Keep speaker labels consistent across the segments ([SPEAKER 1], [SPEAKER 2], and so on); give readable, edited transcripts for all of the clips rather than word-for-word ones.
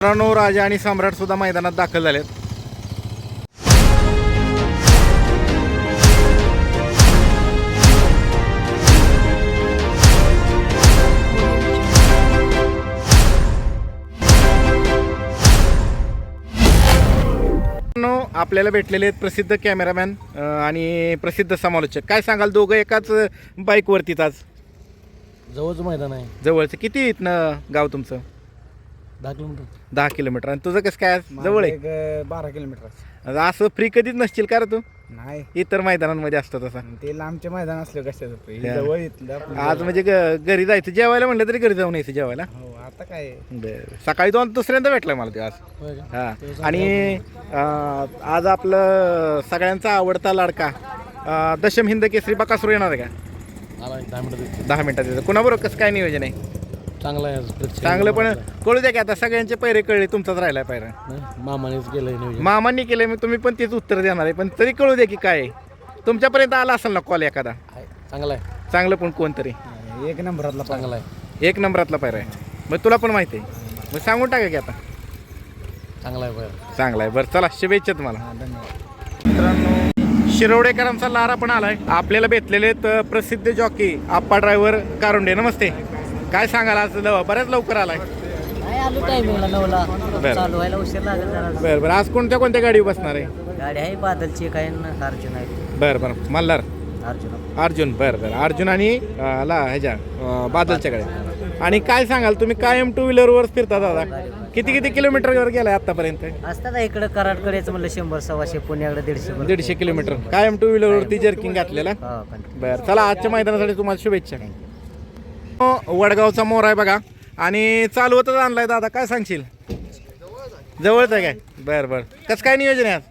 [SPEAKER 1] मित्रांनो, राजा आणि सम्राट सुद्धा मैदानात दाखल झालेत. आपल्याला भेटलेले आहेत प्रसिद्ध कॅमेरामॅन आणि प्रसिद्ध समालोचक. काय सांगाल, दोघं एकाच बाईकवरतीच आज?
[SPEAKER 2] जवळचं मैदान आहे.
[SPEAKER 1] जवळचं. किती इथनं गाव तुमचं?
[SPEAKER 2] 10 किलोमीटर.
[SPEAKER 1] 10 किलोमीटर. आणि तुझं कसं काय जवळ आहे?
[SPEAKER 3] 12 किलोमीटर.
[SPEAKER 1] असं फ्री कधीच नसतील का रे तू?
[SPEAKER 3] नाही,
[SPEAKER 1] इतर मैदानांमध्ये असतं तसा.
[SPEAKER 3] ते लांबचे मैदान असलं कशाचं जवळ इथलं आपलं
[SPEAKER 1] आज म्हणजे घरी जायचं जेवायला म्हणलं तरी घरी जाऊन यायचं जेवायला.
[SPEAKER 3] हो, आता काय
[SPEAKER 1] बरं. सकाळी दुसऱ्यांदा भेटलाय मला ते आज.
[SPEAKER 2] होय का?
[SPEAKER 1] हा. आणि आज आपलं सगळ्यांचा आवडता लाडका दशम हिंद केसरी बकासूर येणार आहे का?
[SPEAKER 2] आला 10 मिनिटं.
[SPEAKER 1] 10 मिनिटात येतं. कुणाबरोबर कसं काय नियोजन आहे?
[SPEAKER 2] चांगला आहे.
[SPEAKER 1] चांगलं, पण कळू द्या की आता सगळ्यांचे पैरे कळले, तुमचाच राहिला पायरा.
[SPEAKER 2] मामानेच केलंय नियोजन.
[SPEAKER 1] मामांनी केले, मग तुम्ही पण तेच उत्तर देणार आहे, पण तरी कळू द्या की काय आहे. तुमच्यापर्यंत आला असेल ना कॉल एखादा
[SPEAKER 2] आहे. चांगला आहे.
[SPEAKER 1] चांगलं, पण कोणतरी
[SPEAKER 3] एक नंबरातला
[SPEAKER 2] चांगला आहे.
[SPEAKER 1] 1 नंबरातला पायरा आहे. मग तुला पण माहिती आहे, मग सांगून टाका की आता.
[SPEAKER 2] चांगला आहे बरं.
[SPEAKER 1] चांगला आहे. बरं, चला शुभेच्छा तुम्हाला.
[SPEAKER 3] धन्यवाद.
[SPEAKER 1] मित्रांनो, शिरवडेकरांचा लारा पण आलाय. आपल्याला भेटलेले आहेत प्रसिद्ध जॉकी आप्पा ड्रायव्हर कारुंडे. नमस्ते. काय सांगाल, आज बऱ्याच लवकर आलाय?
[SPEAKER 4] नाही, आलो टायमिंगला 9ला.
[SPEAKER 1] बरं.
[SPEAKER 4] चालू व्हायला उशीर लागेल जरा.
[SPEAKER 1] बरं बरं. आज कोणत्या कोणत्या गाडी बसणार आहे?
[SPEAKER 4] गाडी आहे बादलची, काय ना अर्जुन आहे.
[SPEAKER 1] बरं बरं. मल्हार अर्जुन. बरं बरं. अर्जुन आणि ह्याच्या बादलच्या गाड्या. आणि काय सांगाल, तुम्ही कायम 2 व्हीलरवर फिरता दादा? किती किती किलोमीटरवर गेलाय आतापर्यंत?
[SPEAKER 4] असतात इकडं कराडकडे यायचं म्हणलं 100-125, पुण्याकडे 150.
[SPEAKER 1] 150 किलोमीटर कायम 2 व्हीलरवरती जर्किंग घातलेला. बरं, चला आजच्या मैदानासाठी तुम्हाला शुभेच्छा. वडगावचा मोर आहे बघा, आणि चालवतच आणलाय दादा. काय सांगशील? जवळच आहे काय? बरं बरं. कसं काय नियोजन आहे आज?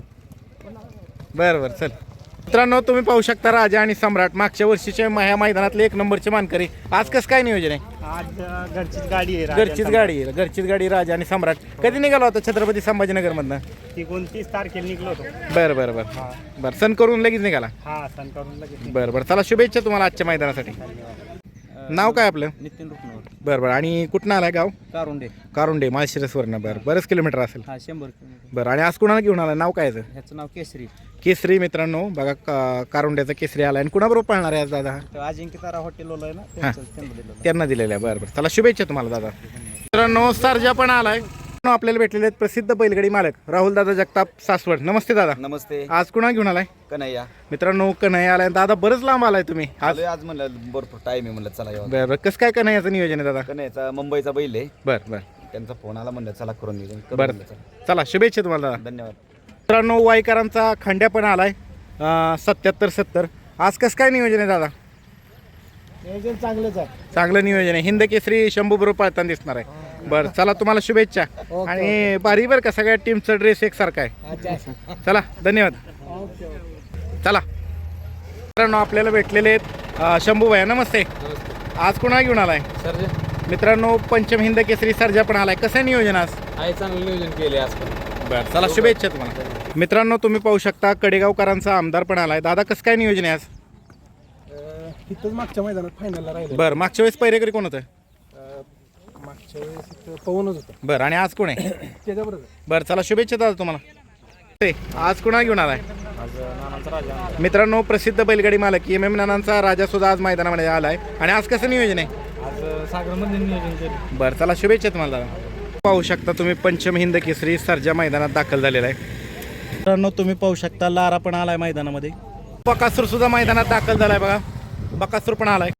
[SPEAKER 1] बरं बरं. चल मित्रांनो, तुम्ही पाहू शकता राजा आणि सम्राट मागच्या वर्षीच्या ह्या मैदानातले 1 नंबरचे मानकरी. आज कसं काय नियोजन आहे?
[SPEAKER 3] आज घरचीच गाडी आहे.
[SPEAKER 1] घरचीच गाडी राजा आणि सम्राट. कधी निघाला होता छत्रपती संभाजीनगर मधनं?
[SPEAKER 3] ती 29 तारखेला निघलो होतो.
[SPEAKER 1] बरं बरं बरं. बरं, सण करून लगेच निघाला.
[SPEAKER 3] हा, सण करून लगेच.
[SPEAKER 1] बरं बरं. चला शुभेच्छा तुम्हाला आजच्या मैदानासाठी. नाव काय आपलं?
[SPEAKER 3] नितीन रुपनवर.
[SPEAKER 1] बरं बरं. आणि कुठनं आलाय गाव?
[SPEAKER 3] कारुंडे.
[SPEAKER 1] माळशिरसवरनं. बरं, बरेच किलोमीटर असेल.
[SPEAKER 3] हा, 100 किलोमीटर.
[SPEAKER 1] बरं. आणि आज कुणाला घेऊन आलाय? नाव काय याचं?
[SPEAKER 3] ह्याचं नाव केसरी.
[SPEAKER 1] केसरी. मित्रांनो बघा, कारुंड्याचा केसरी आलाय. आणि कुणाबरोबर पळणार आहे आज दादा?
[SPEAKER 3] अजिंक्य तारा हॉटेल आहे ना,
[SPEAKER 1] त्यांना दिलेलं आहे. बरं बरं. चला शुभेच्छा तुम्हाला दादा. मित्रांनो, सर्जा पण आलाय. आपल्याला भेटलेले आहेत प्रसिद्ध बैलगाडी मालक राहुल दादा जगताप सासवड. नमस्ते दादा.
[SPEAKER 5] नमस्ते.
[SPEAKER 1] आज कुणा घेऊन आलाय?
[SPEAKER 5] कन्हैया.
[SPEAKER 1] मित्रांनो, कन्हैया आलाय. दादा बरंच लांब आलाय तुम्ही आज.
[SPEAKER 5] आज म्हणलं भरपूर टाइम आहे, म्हणलं चला यावं.
[SPEAKER 1] बरं बरं. कसं काय कन्हैयाचं नियोजन आहे दादा?
[SPEAKER 5] कन्हैयाचा मुंबईचा बैल आहे.
[SPEAKER 1] बरं बरं.
[SPEAKER 5] त्यांचा फोन आला, म्हणलं चला करून नियोजन करू
[SPEAKER 1] बरं.
[SPEAKER 5] म्हणलं, चला.
[SPEAKER 1] चला शुभेच्छा तुम्हाला दादा.
[SPEAKER 5] धन्यवाद.
[SPEAKER 1] मित्रांनो, वाईकरांचा खंड्या पण आलाय 77-70. आज कसं काय नियोजन आहे दादा?
[SPEAKER 3] नियोजन चांगलंच आहे.
[SPEAKER 1] चांगलं नियोजन आहे. हिंद केसरी शंभू बरोबर पळताना दिसणार आहे. बरं, चला तुम्हाला शुभेच्छा. आणि बारी बरं का, सगळ्या टीमचा ड्रेस एकसारखा आहे. चला धन्यवाद. चला मित्रांनो, आपल्याला भेटलेले आहेत शंभू भैया. नमस्ते. आज कोणा घेऊन आलाय?
[SPEAKER 2] सर
[SPEAKER 1] मित्रांनो, पंचम हिंद केसरी सर्जा पण आलाय. कसं आहे नियोजन आज?
[SPEAKER 2] आहे, चांगलं नियोजन केले आज पण.
[SPEAKER 1] बरं, चला शुभेच्छा तुम्हाला. मित्रांनो, तुम्ही पाहू शकता कडेगावकरांचा आमदार पण आलाय. दादा कसं काय नियोजन आहे आज?
[SPEAKER 3] तिथंच मागच्या मैदानात फायनलला राहिलं.
[SPEAKER 1] बरं, मागच्या वेळेस पहिरेकरी कोण होतं?
[SPEAKER 3] मागच्या वेळेस पवनच होतं.
[SPEAKER 1] बरं. आणि आज कोण आहे?
[SPEAKER 3] त्याच्याबरोबर
[SPEAKER 1] बरं, चला शुभेच्छा दादा तुम्हाला. आज कुणा घेऊन आलाय? मित्रांनो, प्रसिद्ध बैलगाडी मालक MM नानांचा राजा सुद्धा आज मैदानामध्ये आलाय. आणि आज कसं नियोजन आहे?
[SPEAKER 3] आज सागरमध्ये नियोजन केलं.
[SPEAKER 1] बरं, चला शुभेच्छा तुम्हाला दादा. पाहू शकता तुम्ही पंचम हिंद केसरी सर्जा मैदानात दाखल झालेला आहे. मित्रांनो, तुम्ही पाहू शकता लारा पण आलाय मैदानामध्ये. बकासूर सुद्धा मैदानात दाखल झालाय बघा. बकासूर पण आलाय.